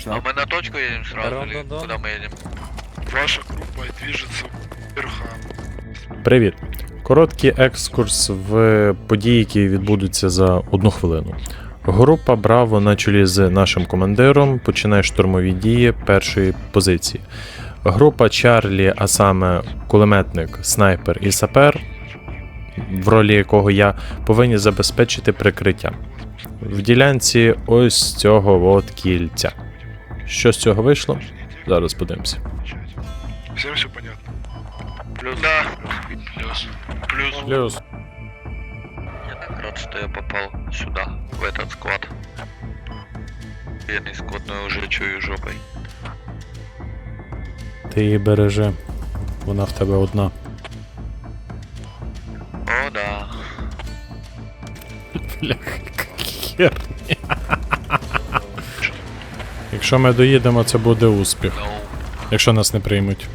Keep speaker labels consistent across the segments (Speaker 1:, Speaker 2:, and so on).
Speaker 1: А мы на точку едем сразу или куда мы едем?
Speaker 2: Ваша группа движется вверх.
Speaker 3: Привіт! Короткий екскурс в події, які відбудуться за 1 хвилину. Група Браво на чолі з нашим командиром починає штурмові дії першої позиції. Група Чарлі, а саме кулеметник, снайпер і сапер, в ролі якого я, повинні забезпечити прикриття. В ділянці ось цього от кільця. Що з цього вийшло? Зараз подивимося.
Speaker 2: Всем все понятно?
Speaker 1: Плюс. Да. Плюс. Плюс.
Speaker 3: Плюс.
Speaker 1: Я так рад, что я попал сюда, в этот склад. Бедный склад, но я уже чую жопой.
Speaker 3: Ти її бережи. Вона в тебе одна.
Speaker 1: О, да.
Speaker 3: Бляха, херня. Якщо ми доїдемо, це буде успіх.
Speaker 1: Ну,
Speaker 3: Якщо нас не приймуть.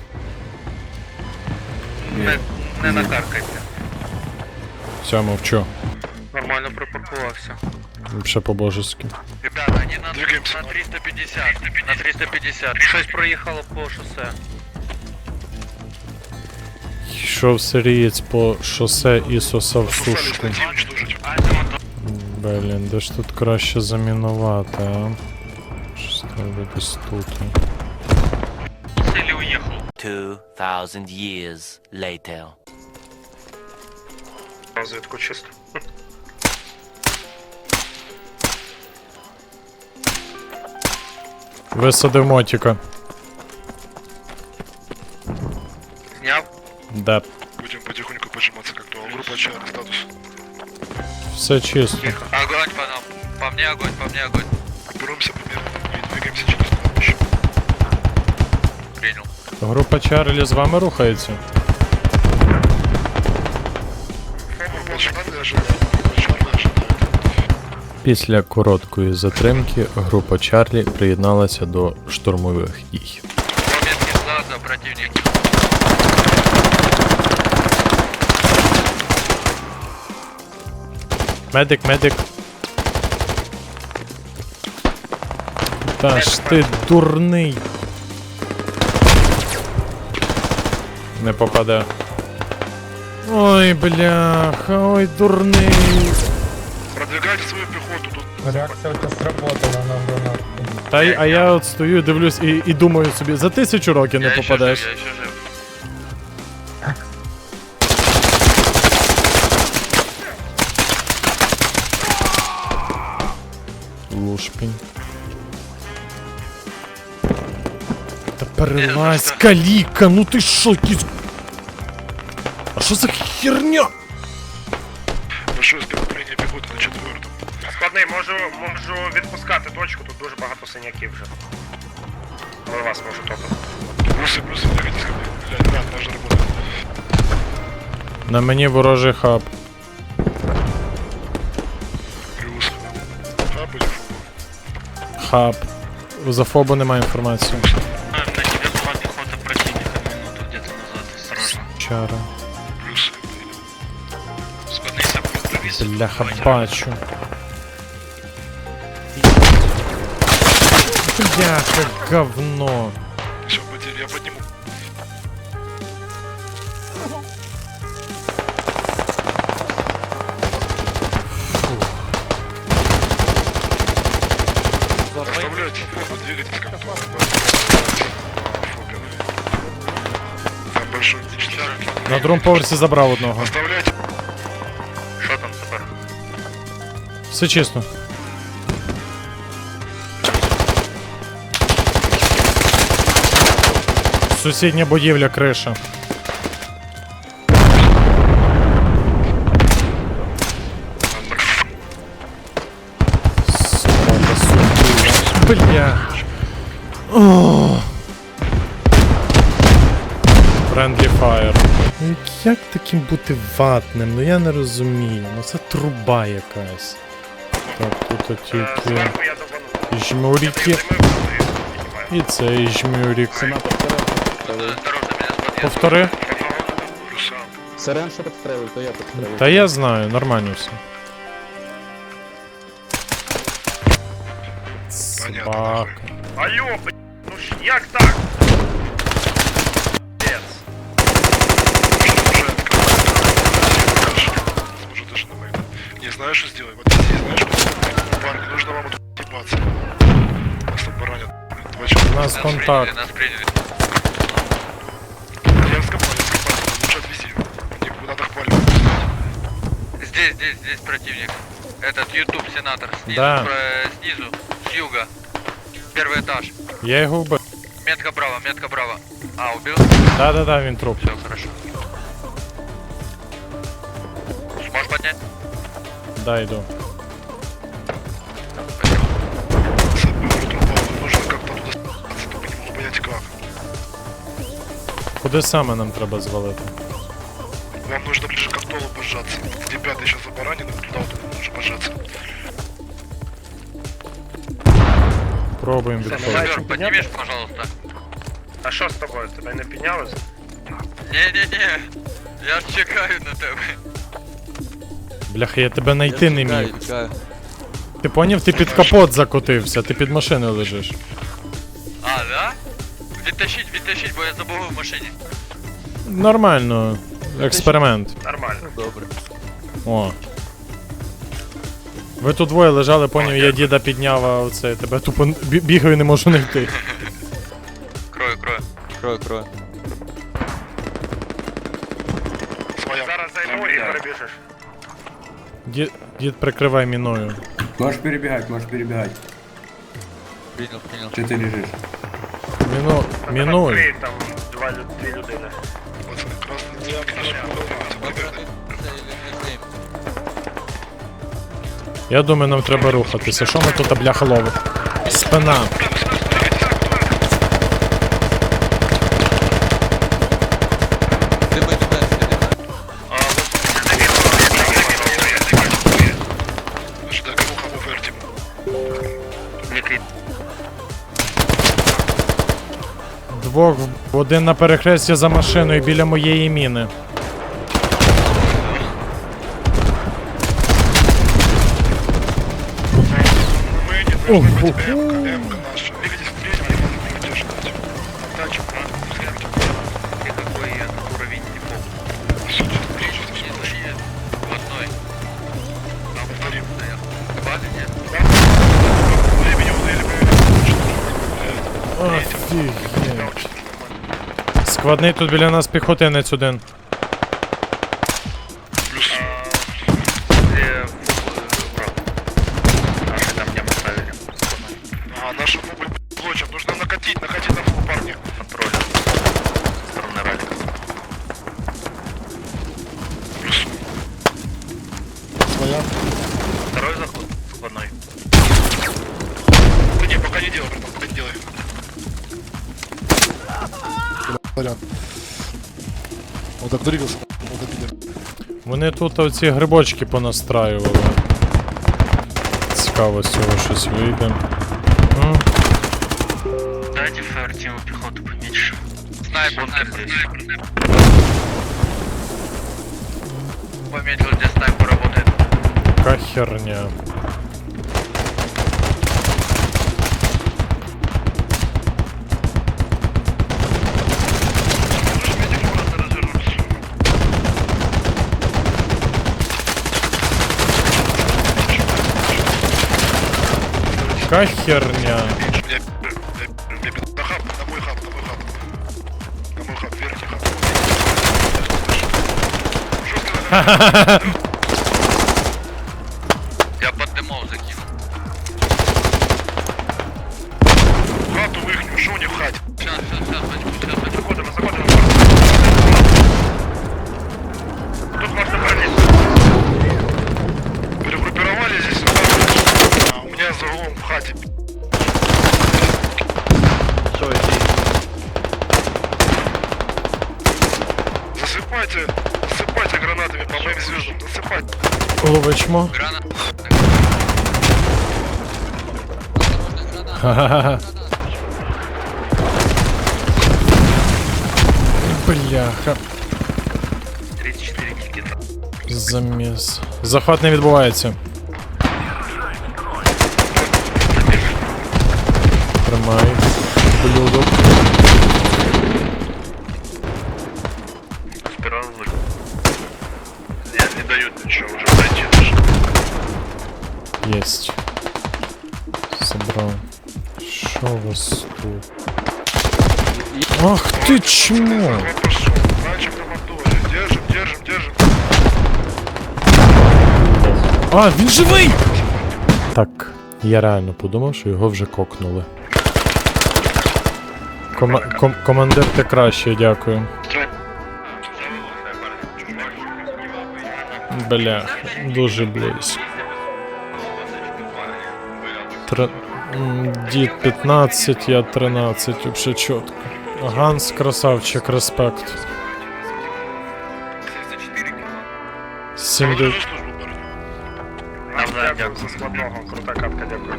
Speaker 1: не накаркайте.
Speaker 3: Все, мовчу.
Speaker 1: Нормально припаркувався.
Speaker 3: Ще по-божески.
Speaker 1: Ребята, они
Speaker 2: Двигаемся.
Speaker 1: на 350. На 350. 6 проехало по шоссе.
Speaker 3: Йшов сирієць по шосе і сосав
Speaker 2: Пососали,
Speaker 3: сушку.
Speaker 2: найти и уничтожить.
Speaker 3: Блін, де ж тут краще замінувати, а? Щось треба десь тут.
Speaker 1: Или уехал.
Speaker 4: 2,000 years later.
Speaker 1: Разведку чисто.
Speaker 3: Висадив мотіка.
Speaker 1: Снял?
Speaker 3: Да.
Speaker 2: Будем потихоньку поджиматься как то. Группа ЧР, статус.
Speaker 3: Все чисто.
Speaker 1: Огонь по нам. По мне огонь, по мне огонь.
Speaker 2: Беремся примерно и двигаемся через кладбище.
Speaker 1: Принял.
Speaker 3: Група Чарлі з вами рухається.
Speaker 2: Чарлі ожидает. Чарлі ожидает.
Speaker 3: Після короткої затримки група Чарлі приєдналася до штурмових дій.
Speaker 1: Момент глаза, противник.
Speaker 3: Медик, медик. Та ж ти дурний. Не попаде. Ой, бляха, ой, дурний.
Speaker 2: Продвигайте свою пехоту тут.
Speaker 5: Реакция у тебя сработала на гранату.
Speaker 3: А я от стою, дивлюсь і думаю собі, за 1000 років не
Speaker 1: Я
Speaker 3: попадеш.
Speaker 1: Еще жив, я еще жив.
Speaker 3: Лушпінь. Та перелазь, каліка, ну ти шо, якийсь... А що за херня?
Speaker 2: Большое скопление пехоты на 4-м.
Speaker 6: Складний, можу відпускати точку, тут дуже багато синяків вже. Але вас можу топити.
Speaker 2: Плюсы, двигайтесь ко мне. Блядь, ребят, наша работа.
Speaker 3: На мені ворожий хаб.
Speaker 2: Плюс. Хаб или фу?
Speaker 3: Хаб. За фобу немає інформації.
Speaker 1: На тебе была пехота противника минуту где-то назад, осторожно.
Speaker 3: Чара.
Speaker 2: Плюсы.
Speaker 1: Складный сапог провис.
Speaker 3: Бляха, бачу. Бляха, говно.
Speaker 2: Все, потери, я подниму. Оставляйте, двигайтесь как то. Там большой уничтожитель.
Speaker 3: На другому поверсі забрав одного.
Speaker 2: Оставляйте.
Speaker 1: Что там сапог?
Speaker 3: Все чисто. Сусідня будівля, криша. Собака, сука. Бля. Friendly fire. Ну як таким бути ватним? Ну я не розумію. Ну це труба якась. Так, тут тільки
Speaker 6: Зверху я добану.
Speaker 3: жмурики. І цей жмюрик.
Speaker 1: Осторожно, меня с подъезда.
Speaker 3: Повтори.
Speaker 2: Плюсам.
Speaker 5: Сирен, що підстрелив, то я підстрелив.
Speaker 3: Та я знаю, нормально все.
Speaker 2: Понятно,
Speaker 3: Собака.
Speaker 6: Алло, ну ж як так? Пец.
Speaker 2: Уже даже на моем. Не знаю, что сделать. Вот здесь, знаешь, что? Парни, нужно вам тут ебаться. Нас там баранят. Два
Speaker 3: У
Speaker 2: человека.
Speaker 3: нас контакт.
Speaker 1: Нас приняли.
Speaker 2: Я вскопал. Лучше отвези. Мне надо их палить.
Speaker 1: Здесь противник. Этот YouTube сенатор. Снизу,
Speaker 3: Да.
Speaker 1: снизу, с юга. Первый этаж.
Speaker 3: Я його вбив.
Speaker 1: Метка право. А, убил?
Speaker 3: Да-да-да, він труп.
Speaker 1: Все, хорошо. Сможешь поднять?
Speaker 3: Да, йду.
Speaker 2: Нужно как-то туда спаться, только не могу понять как.
Speaker 3: Куди саме нам треба звалити?
Speaker 2: Вам нужно ближе к Актолу пожаться. Где пятый сейчас забаранен, туда вот нужно пожаться.
Speaker 3: Пробуємо відходити.
Speaker 1: Сэр, поднимешь, пожалуйста.
Speaker 6: А що з тобою? Тебе не піднялось?
Speaker 1: Не. Я ж чекаю на тебе.
Speaker 3: Бляха, я тебе знайти не міг. Ти поняв, ти під капот закотився, ти під машиною лежиш.
Speaker 1: А, да? Відтащить, бо я забув в машині.
Speaker 3: Нормально. Експеримент.
Speaker 6: Нормально.
Speaker 3: О. Ви тут двоє лежали, поняв, я діда підняв, а оце тебе тупо бігаю, не можу знайти.
Speaker 1: Крою.
Speaker 2: Своя.
Speaker 6: Зараз зайду і перебіжиш.
Speaker 3: Дід прикривай міною.
Speaker 7: Можешь перебегать.
Speaker 1: Принял.
Speaker 7: Че ты лежишь?
Speaker 3: Мінуй.
Speaker 6: Там там дві людини.
Speaker 2: Пацаны, красный диак,
Speaker 3: Я думаю, нам треба рухатися. Що ми тут, бляха, ловимо? Спина.
Speaker 2: Ждай, кому вертим.
Speaker 3: Двох, один на перехресті за машиною біля моєї міни.
Speaker 2: Мы не должны быть МК наша. Двигайтесь вперед, я могу поддерживать. Отдачу,
Speaker 1: Ты какой уровень не помню. В одной. Там
Speaker 2: Повторим.
Speaker 1: стоял. Базы нет?
Speaker 2: Времени удали,
Speaker 3: Офігеть. Складний тут біля нас піхотинець один.
Speaker 2: Плюс.
Speaker 6: Де враг. Наші там не поставили.
Speaker 2: А, нашу фугу блочим. Нужно накатить на фугу, парни.
Speaker 6: Контроль. Сторони раліка.
Speaker 2: Плюс. Своя.
Speaker 6: Второй заход. Складной.
Speaker 2: Да не, пока не делай, братан, пока не делай. Он так двигался, он добили.
Speaker 3: Вони тут оці грибочки понастраювали. Цікаво, з цього щось вийде.
Speaker 1: Дайте Фертиму пехоту поменьше. Снайпер здесь. Пометил, где снайпер работает.
Speaker 3: Яка херня. Яка херня.
Speaker 2: На хаб, на мой хаб. На мой хаб, верхний хаб.
Speaker 1: Я под дымов закинул.
Speaker 2: Хату вихню, що у них в хаті?
Speaker 1: Сейчас, возьму.
Speaker 6: Заходимо. Тут можна пролізти.
Speaker 2: Перегруппировали здесь. А, у меня за углом в хате. Засыпайте гранатами по моим звездам. Засыпайте.
Speaker 3: Ловичмо.
Speaker 1: Гранат.
Speaker 3: Ха-ха-ха. Бляха.
Speaker 6: 34 кільки.
Speaker 3: Заміс. Захват не відбувається. Тримай, блюдо.
Speaker 2: Спирал вылез. Нет, не дают ничего, уже пройти даже.
Speaker 3: Єсть. Собрав. Що у вас тут? Ах ти чмо!
Speaker 2: Вот пошел. Мальчик на моторе. Держим, держим, держим.
Speaker 3: А, він живий! Так, я реально подумав, що його вже кокнули. Командир, ти краще, дякую. Бля, дуже близько. Дід 15, я 13, вообще чітко. Ганс, красавчик, респект.
Speaker 2: Благодарю за службу, парни.
Speaker 6: Дякую за складного, крута катка, дякую.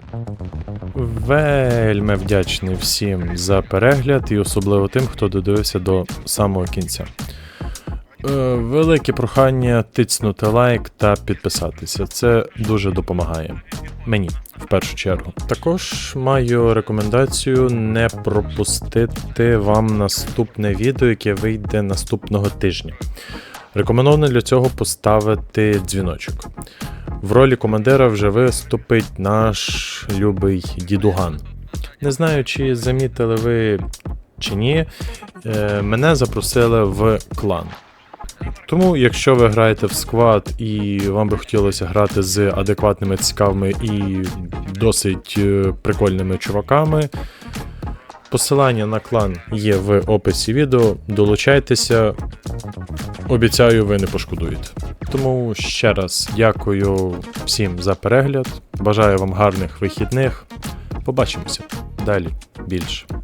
Speaker 3: Вельми вдячний всім за перегляд і особливо тим, хто додивився до самого кінця. Велике прохання тицнути лайк та підписатися. Це дуже допомагає. Мені, в першу чергу. Також маю рекомендацію не пропустити вам наступне відео, яке вийде наступного тижня. Рекомендовано для цього поставити дзвіночок. В ролі командира вже виступить наш любий дідуган. Не знаю, чи замітили ви чи ні, мене запросили в клан. Тому, якщо ви граєте в сквад і вам би хотілося грати з адекватними, цікавими і досить прикольними чуваками, посилання на клан є в описі відео, долучайтеся, обіцяю, ви не пошкодуєте. Тому ще раз дякую всім за перегляд, бажаю вам гарних вихідних, побачимося далі більше.